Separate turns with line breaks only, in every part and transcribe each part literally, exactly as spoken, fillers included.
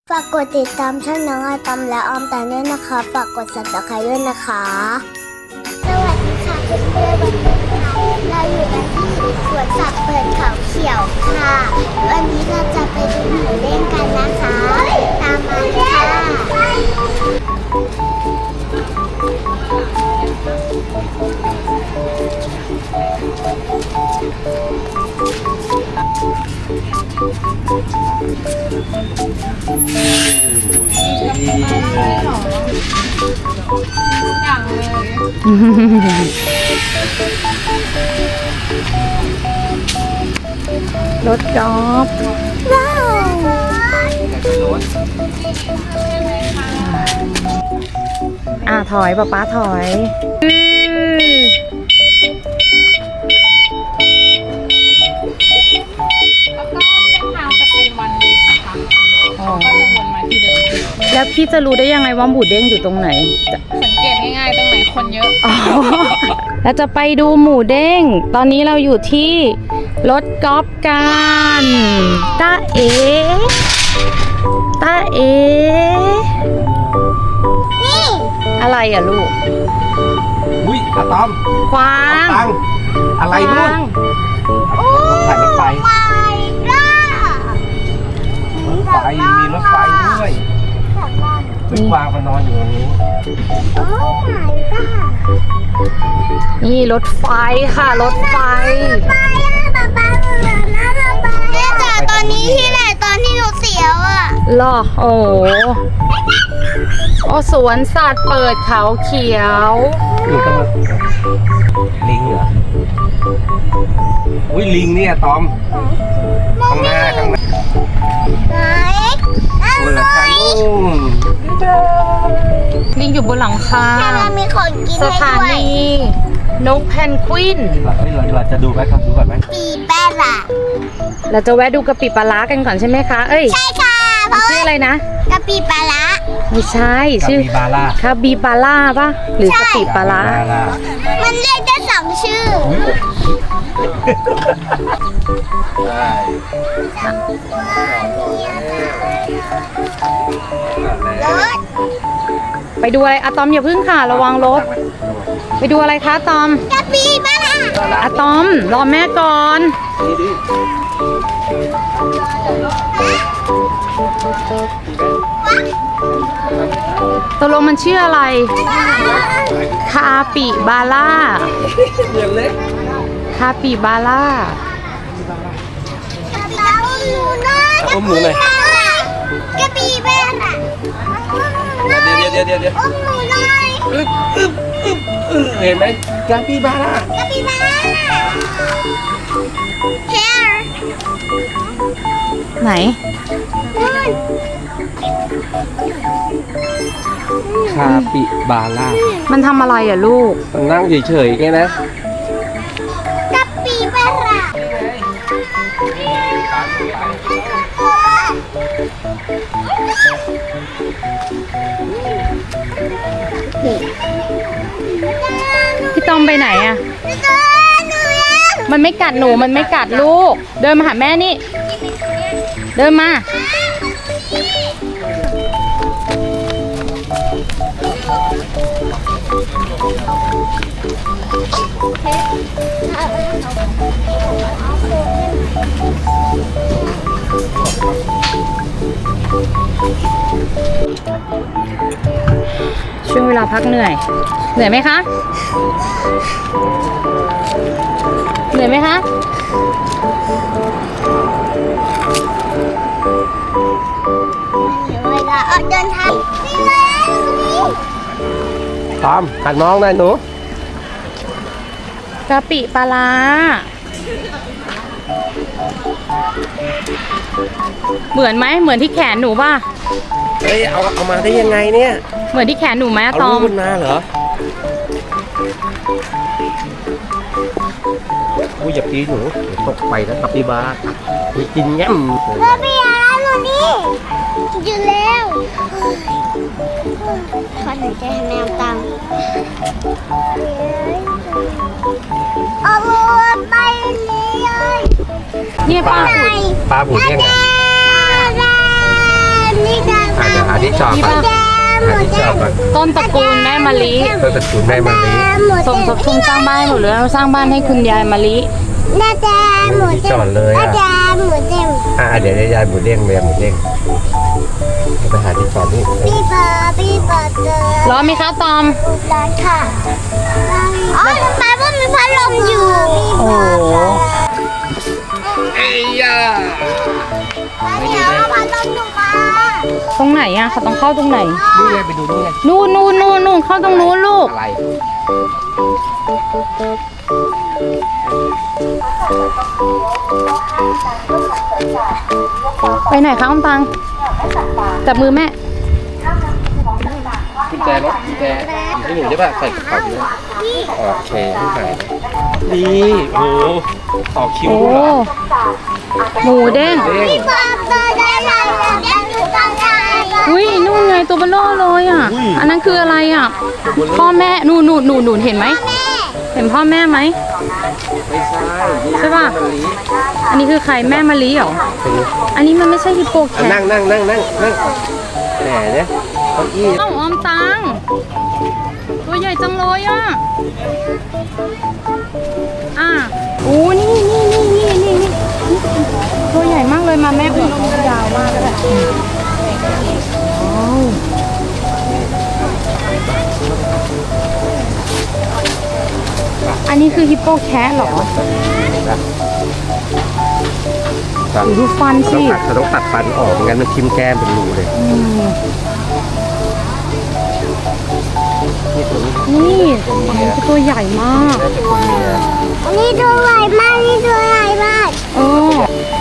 ฝากกดติดตามช่องน้องอาตอมและออมแตนด้วยนะคะฝากกด ซับสไครบ์ ด้วยนะคะสวัสดีค่ะเพื่อนๆวันนี้ค่ะเราอยู่กันที่สวนสัตว์เปิดเขาเขียวค่ะวันนี้เราจะไปดูหมูเด้งกันนะคะตามมาเลย
อย่างเลยรถกอล์ฟว้าวอ่ะถอยป๊าป๊าถอยแล้วก็เส้นทางจะเป็นวันเวย์นะคะก็จะวนมาที่เดิมแล้วพี่จะรู้ได้ยังไงว่าหมูเด้งอยู่ตรงไหนสังเกตง่ายๆตรงไหนคนเยอะอ๋อเราจะไปดูหมูเด้งตอนนี้เราอยู่ที่รถกอล์ฟกันตาเอตาเอนี่อะไรอ่ะลูก
อุ้ยอะตอม
ควาง
ตังอะไรนู่น
โอ้ยรถไฟรถไฟ
รถไฟมีรถไฟด้วยวิ่งวางมานอนอยู่ตรงนี้
โอ้ my god
นี่รถไฟค่ะรถไฟ
ไปป๊าป๊าเหมือนนะป๊าป๊าเนี่ยแต่ตอนนี้ที่ไหนตอนที่หนูเสียวอ่ะ
หรอโอ้โอ้สวนสัตว์เปิดเขาเขียว
นี่ก็ลิงเหรออุ้ยลิงเนี่ยตอมข้างหน้าข้างหน้า
ไหน
บนหลังคานู่น
ลิงอยู่บนหลังคา
แค่มันมีของกินให้ด้วย
สถานีนกแพนกวิน
เราเราจะดูไหมครับดูก่อนไหม
ปีแป้ล่ะ
เราจะแวะดูกะปิปลาร้ากันก่อนใช่ไหมคะเอ้ย
ใช่ค่ะเพราะ
ชื่ออะไรนะ
กะปิปลาร้า
ไม่ใช่ชื่อ
คาบิบาร่า
คาบิบาร่าป่ะหรือกะปิปลาร้า
มันเรียกได้สองชื่อรถ
ไปดูอะไรอะตอมอย่าพึ่งค่ะระวังรถไปดูอะไรคะอะตอม
กะปิปลาร้า
อะตอมรอแม่ก่อนตกลงมันชื่ออะไรคาปิบาร่าคาปิบาร่า
อมหนูหน่อย
กะปิแม่น่ะ
เดี๋ยวเดี๋ยวเดี๋ยวเดี๋ยว
อมหนูหน่อย
อึ๊บอึ๊บอึ๊บเห็นไหมกาปิบาร่าก
ะปิบาร่า Here
ไหน
คาปิบาร่า
มันทำอะไรอ่ะลูก
มันนั่งเฉยๆแค่นะ
กะปิบาร่า
พี่ตอมไปไหนอ่ะมันไม่กัดหนูมันไม่กัดลูกเดินมาหาแม่นี่เดินมาช่วงเวลาพักเหนื่อยเหนื่อยไหมคะเหนื่อยไหมคะ
เวลาออกเดินทางนี่เลย
ตอมกัดน้องได้หนู
กะปิปลาร้าเหมือนไหมเหมือนที่แขนหนูป่ะ
เฮ้ยเอาเอามาได้ยังไงเนี่ย
เหมือนที่แขนหนูไหมตอม
เอาลูกมาเหรออุ้ยอย่าตีหนูตกไปนะกะปิบาไปกินแง่ม
กะปิอะไรหนูนี่อยู่แล้วขอหนูใจให้แมวตังเอาไปนี่เลย
เนี่ยป้า
ปลาบูดยังไง
นี่กัน
ชอบ
นี่
อ่ะ
ป่ะ
หาที่ชอบอ่ะ
ต้นตระกูลแม่มะลิ
เพื่อตระกูลแม่มะลิ
สมทบทุนสร้างบ้านให้หมดเลยเราสร้างบ้านให้คุณยายมะลิ
แม่แจหมู
ที่
เต็
จ
ม
อดเลย
แม่
อ่ะ
แจหมูเต็ม
อ่ะเดี๋ยวยายหมูเด้งเลยหมูเด้งไปหาที่จอดนี่
ปีเปิดปีเปิดเจอ
ร้อนไหมคะตอม
ร้านค่ะอ๋อแม่ว่ามีพัดลมอยู่
โอ้โห
เอ้ยยา
เดี๋ยวเอาพัดลมลงมา
ตรงไหนอะเขาต้องเข้าตรงไหน
ดูไงไปดูดูไง
นู่นนู่นนู่นนู่นเข้าตรงนู้นลูก
อะไร
ไปไหนคะอมตังจับมือแม่
กุญแจรถกุญแจอยู่ที่หนูได้ป่ะใส่กระเป๋าด้วยโอเคไม่หายนี่โอ้ต่อคิว
โอ้
ด้วยเหรอ
หมูเด้ง
เด้ง
เปิดเปิดได้เลยเดี๋ยวอยู่ตรงไหน
อุ้ยนู่นไงตัวเบลอเลยอ่ะ อันนั้นคืออะไรอ่ะ พ่อแม่นู่นนู่นนู่นนู่นเห็นไหม เห็นพ่อแม่ไหม
ไม่ใช่
ใช่ป่ะ
มะลิ
อันนี้คือใครแม่มะลิเหรอ
เป็น
อันนี้มันไม่ใช่ฮิปโปแค
อ่ะ
ท
นั่งนั่งนั่งนั่งนั่งแหมเนี่ยเก้าอี้
เอ้าออมตัง ตัวใหญ่จังเลยอ่ะ อ่ะโอ้นี่นี่นี่นี่นี่นี่ตัวใหญ่มากเลยมาแม่อุ้มยาวมากเลยว้าวอันนี้คือฮิปโปแคทเหรอ
ครับ
ดูฟันสิ
เขาต้องตัดฟันออกไม่งั้นมันทิ่มแก้มเป็นรูเลย
อืม
นี่ตัวนี้
นี่อันนี้คือตัวใหญ่มาก
น่าจะเป็นเมีย
อันนี้ตัวใหญ่มากนี่ตัวใหญ่มาก
เออ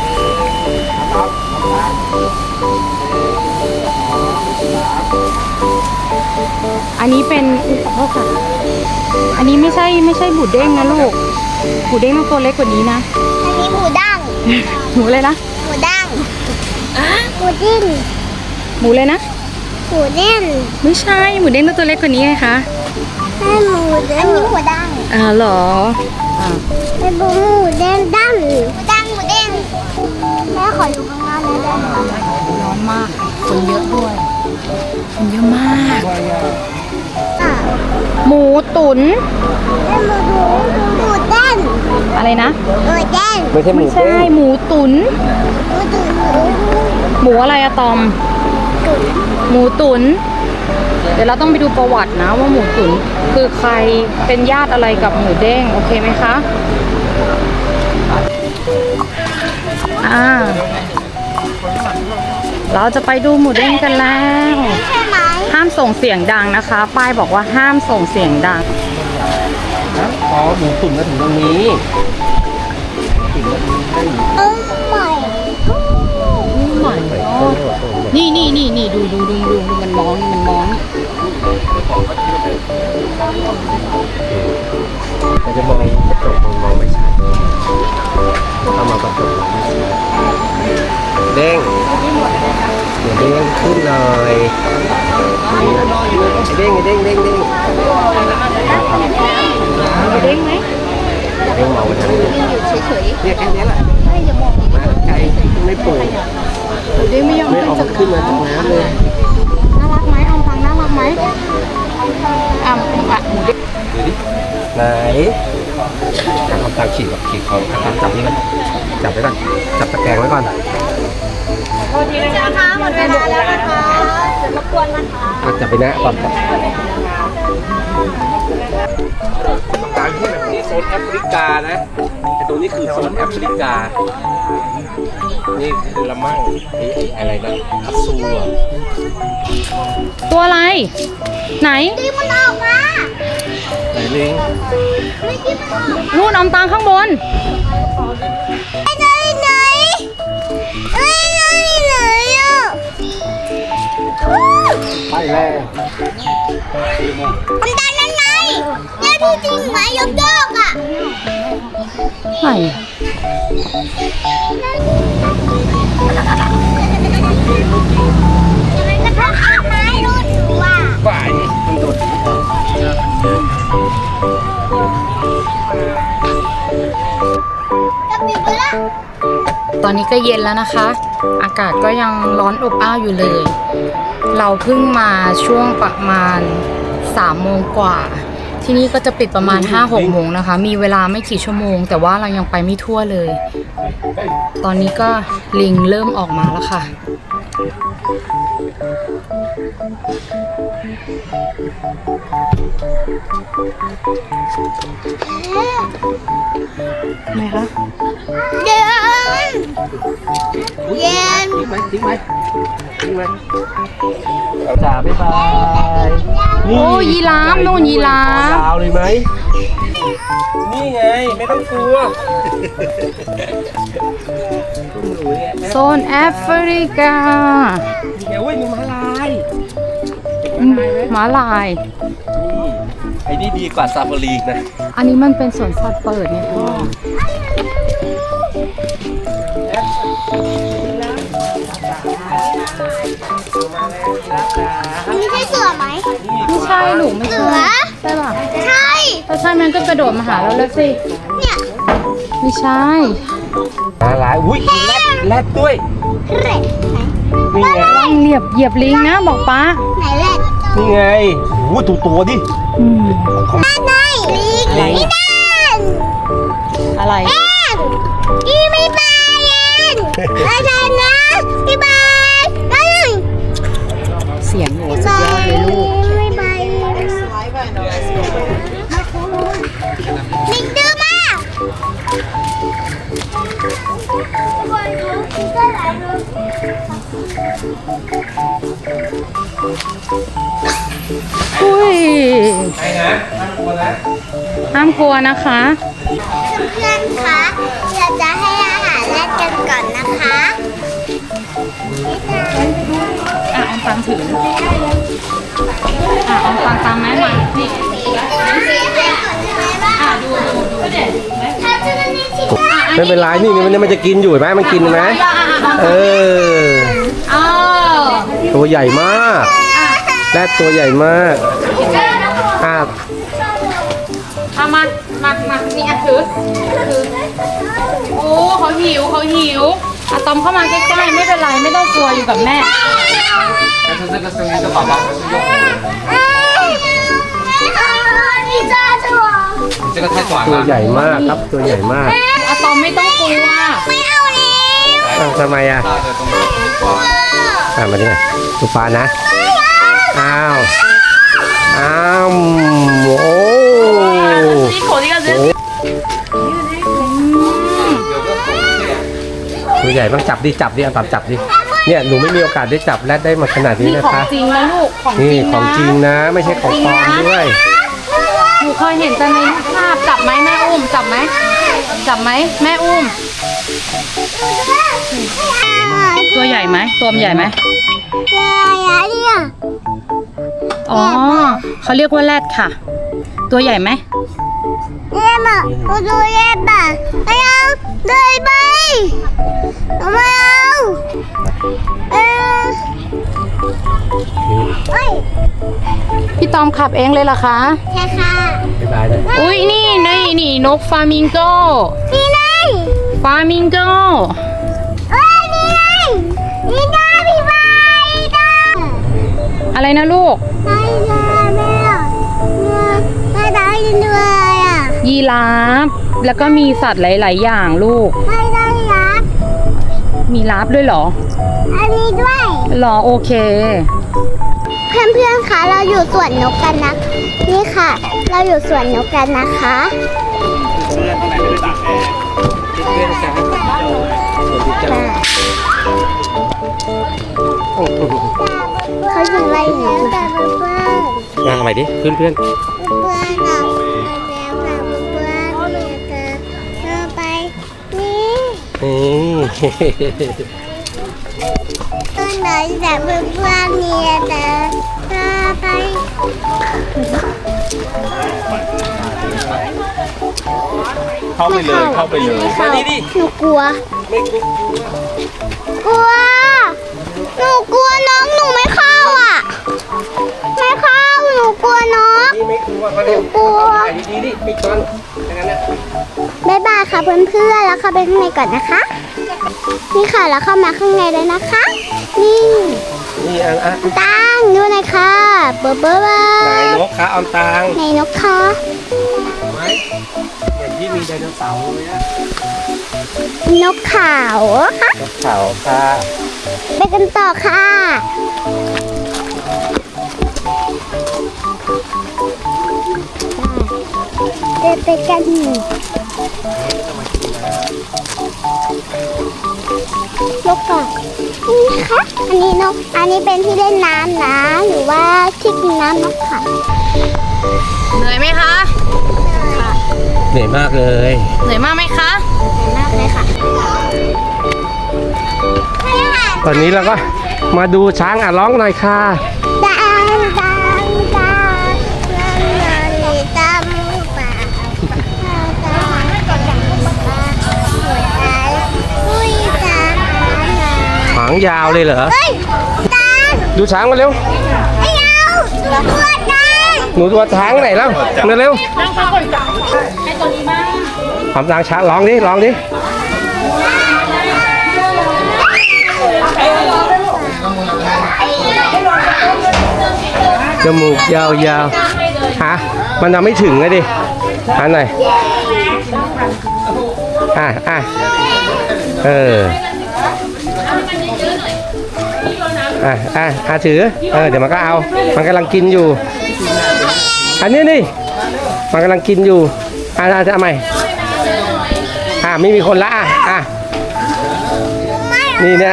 อันนี้เป็นอุ๊ยขอโทษค่ะ อันนี้ไม่ใช่ไม่ใช่บูดเด้งนะลูกบูดเด้งต้องตัวเล็กกว่านี้นะ
อันนี้หมูดั้ง
หมูเลยนะ
หมูดั้งหมูดิ้น
หมูเลยนะ
หมูเด้น
ไม่ใช่หมูเด้งต้องตัวเล็กกว่านี้ไงคะ
ให้หมูเด้นอันนี้หมูดั้ง
อ่าเหรออ่า
เป็นหมูเด้นดั้งหมูดั้งหมูเด้งแม่ขออยู่ข้างหน้าหน่อยได้ไหม
ร้อนมากคนเยอะด้วยคนเยอะมาก
อ่ะ
หมูตุ๋น
เป็นหมูหมูหมูเด้น
อะไรนะ
หมูเด้น
ไม่ใช่หมู
ไม่ใช่
เด้ง
หมูตุ๋น
หมูตุ๋นหมู
หมูอะไรอะตอม
ตุ๋น
หมูตุ๋นเดี๋ยวเราต้องไปดูประวัตินะว่าหมูตุ๋นคือใครเป็นญาติอะไรกับหมูเด้งโอเคไหมคะอ่าเราจะไปดูหมูเด้งกันแล้ว
ใช่ไหม
ห้ามส่งเสียงดังนะคะ ป้ายบอกว่าห้ามส่งเสียงดัง
อ๋อหมูตุ๋นมาถึงตรงนี้
เออใหม่
ใหม่นี่นี่นี่นี่ดูดูดูดูดูมันมองนี่มันมองนี่
เราจะมองกระจกมองมองไม่ชัดถ้ามองกระจกมองไม่ชัดเด้งเดี๋ยวเด้งขึ้นเลยเด้งเด้งเด้งเด้ง
หมูเด้งไหม
เด้งมองไปทางนี้เนี่ยแค่นี้แหละมาไกลไม่ปลูก
หมูเด้งไม่ยอม
ไม่ออก
จาก
ขึ้นมาจากน้ำเลย
น่ารักไหมออมฟังน่ารักไหมอ่ะอ่ะหมูเด้ง
ดูดิไหนเอาตามขีดแบบขีดเขาจับจับนี่ก่อนจับไว้ก่อนจับตะแกรงไว้ก่อน
นะคะหมดเวลาแล้วนะคะจะรบกวนนะคะ
อ่ะจับไปนะตอนจับตรงกลางที่แบบนี้โซนแอฟริกานะไอตัวนี้คือโซนแอฟริกา นี่คือละมั่งไอ้ไอ้อะไรนะคัตซูอ่ะ
ตัวอะไร ไหน
ตีมันออกมา
ไหนลิง
ไม่ตีมันออก
นู่นออมตังข้างบน
ไปไหนไหนเอ้ยไหนไหนอ่ะ
ไปแล้ว
ทำได้นั่นไงเนี่ยดูจริงไหมยกโยกอ่ะ
ไหน
มันกระทบต้นไม้ดูดูอ่ะ
ฝ่ายมันโดด
จะปิดไปละ
ตอนนี้ก็เย็นแล้วนะคะ อากาศก็ยังร้อนอบอ้าวอยู่เลยเราเพิ่งมาช่วงประมาณสามโมงกว่า ที่นี่ก็จะปิดประมาณ ห้าหก โมงนะคะ มีเวลาไม่กี่ชั่วโมง แต่ว่าเรายังไปไม่ทั่วเลย ตอนนี้ก็ลิงเริ่มออกมาแล้วค่ะ ไหนคะ
เย็นเย็น
ทิ้งไหมทิ้งไหมทิ้งไหมจ๋าบ๊ายบาย
โอ้ยีราฟนู่นยีราฟ
ยาวเลยไหมนี่ไงไม่ต้องกลัว
โซนแอฟริกา
เดี๋ยวเว้ยมีม้าลาย
อืมม้าลาย
นี่ไอ้นี่ดีกว่าซาฟารีนะ
อันนี้มันเป็นสวนสัตว์เปิดเนี่ยพ่อ
อันนี้ใช่เสือไหม
ไม่ใช่หนูไม่
เสื
ใช่
อ
ใช่ป่ะ
ใช่
ถ้าใช่มันก็กระโดดมาหาเราแล้วสิ
เนี่ย
ไม่ใช่
ม้าลายอุ้ยมีแรดแรดด้วย
เร็ดไหน
นี่ไง
เหยียบเหยียบลิงนะบอกป้า
ไหนเร็ด
นี่ไงโอ้โหตัวตัวดิ
อืม
ไหนลิง
อะไร
นี่นั่น
อะไร
เอ็นอีไม่บายเอ็นอาจารย์นะพี่บายนั่น
เสียงหนูสุดยอดเลยลูก
ไม่บายลิงดื้อมาก
อุ้ย
ไปนะห้ามกลัวนะ
ห้ามกลัวนะคะ
เพื่อนๆคะเราจะให้อาหารแรดกันก่อนนะคะ
อ่ะออมตังถืออ่ะออมตังตามแม่มานี่ อ่ะดูดูดูเด็ด
ถ้าจะนั่นนี่สิ
ไม่เป็นไรนี่นี่มันมันจะกินอยู่เห็นไหมมันกินไหมเออ
อ้าว
ตัวใหญ่มากแรดตัวใหญ่มากอ่ะ
เอามามามานี่อ่ะถือถือโอ้เขาหิวเขาหิวอะตอมเข้ามาใกล้ๆไม่เป็นไรไม่ต้องกลัวอยู่กับแม่
นี่จ้าถั่ว
ตัวใหญ่มากครับตัวใหญ่มาก
อะตอมไม่ต้องกลัว
ไม่เอาแล้ว
อ้าวทำไมอ่ะอ่ะมาดิมาดูปลานะอ้าวอ้าวโอ้โห ตัวใหญ่ต้องจับดิจับดิเอาตับจับดิเนี่ยหนูไม่มีโอกาสได้จับแรดได้มาขนาดนี้
นี่
นะ
ของ
คะ
จริงนะลูกของจ
นี่
ริง
ของจริง
นะ
นะ ไม่ใช่ของปลอมด้วย
หนูเคยเห็นแต่ในรูปภาพจับไหมแม่อุ้มจับไหมจับไหมแม่อุ้ม ตัวใหญ่ไหมตัวมันใหญ่ไหม
อะไรเนี่ย
อ๋อเขาเรียกว่าแรดค่ะ ตัวใหญ่ไหม
เย่มาดูเย่บ้าไม่เอาเลยไปไม่เอาเออเอ้ย
พี่ตอมขับเองเลยเหรอคะ
ใช่ค่ะ
บ๊ายบายเลย
อุ้ยนี่นี่นี่นกฟามิงโก
นี่ไง
ฟามิงโก
เอ้ยนี่ไงนี่ไงพี่บายได้
อะไรนะลูก
ได้เลยแม่ได้ได้ด้วยอ่ะ
ยีราฟแล้วก็มีสัตว์หลาย ๆ อย่างลูก
ได้ได้ยักษ์
มีราฟด้วยเหรอ
อันนี้ด้วย
เหรอโอเค
เพื่อนๆ คะ เราอยู่สวนนกกันนะ นี่ค่ะ เราอยู่สวนนกกันนะคะ
เพื่อนข้างในไม่ได้ตากแอร์เพื่อนๆจ้าสวัสดีจ้าโอ้โห
เขาอยู่ไล่หนูแต่เพื่อน
มาใหม่ดิเพื่อนเพื่อน
เพื่อนเราแล้วค่ะเพื่อนเราไปนี่
นี่
ต้นไหนแต่เพื่อนๆเนี่ยแต่เราไป
เข้าไปเลยเข้าไปเลย
ไม่เข้าหนูกลัว
ไม่กลัว
กลัว หนูกลัวน้องหนูไม่เข้าอ่ะ ไม่เข้า หนูกลัวน้อง
นี่ไม่กลัวมาเร็ว
กลัว
ถ่ายดีๆดิปิดก่อนแค่นั้นแหละ
บ๊ายบายค่ะเพื่อนๆ แล้วเข้าไปข้างในก่อนนะคะ นี่ค่ะแล้วเข้ามาข้างในเลยนะคะ นี่
นี่อันอ่ะ
ตังดูหน่อยค่ะเบอร์เบอร์เบอ
ไหน
ร์
นกคะออมตัง
ในนกคะ
ไหมอย่างที่มีไดโนเสาร์เลยอะ
นกขาวค่ะ
นกเขาค่ะ
ไปกันต่อค่ะเดินไปกันนกก่อนนี่นะคะอันนี้นกอันนี้เป็นที่เล่นน้ำนะหรือว่าที่กินน้ำนกค่ะ
เหนื่อยไหมคะ
เหนื่อยมากเลย
เหนื่อยมากไหมคะ
มากเลยค่ะ
ตอนนี้เราก็มาดูช้างอ่ะร้องหน่อยค่ะ
ดังดังดังดังเลยตามป่าหัวใจอุ้ยตา
หางยาวเลยเหรอ
เฮ้ยตา
ดูช้างมาเร็ว
ไอ้เอาตัวตา
หนูตัวช้างไหนแล้วมาเร็ว
นั่งพักก่อนจ้ะให้ตัวนี้บ้าง
ทำทางช้างร้องดิร้องดิจมูกยาวๆฮะมันยังไม่ถึงเลยดิอันไหนอ่ะอ่ะเอออ่ะอ่ะอ่ะถือเออเดี๋ยวมันก็เอามันกำลังกินอยู่อันนี้นี่มันกำลังกินอยู่อ่ะอ่ะทำไมอ่ะไม่มีคนละอ่ะอ่ะนี่เนี่ย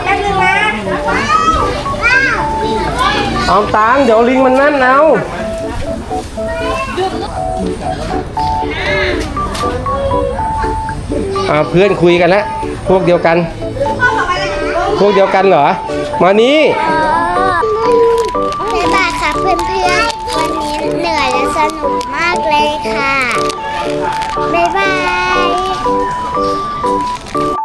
เอาตังเดี๋ยวลิงมันนั่นเอาอ่าเพื่อนคุยกันแล้วพวกเดียวกัน พวกเดียวกันเหรอมานี้
บ๊ายบายค่ะเพื่อนๆวันนี้เหนื่อยและสนุกมากเลยค่ะบ๊ายบาย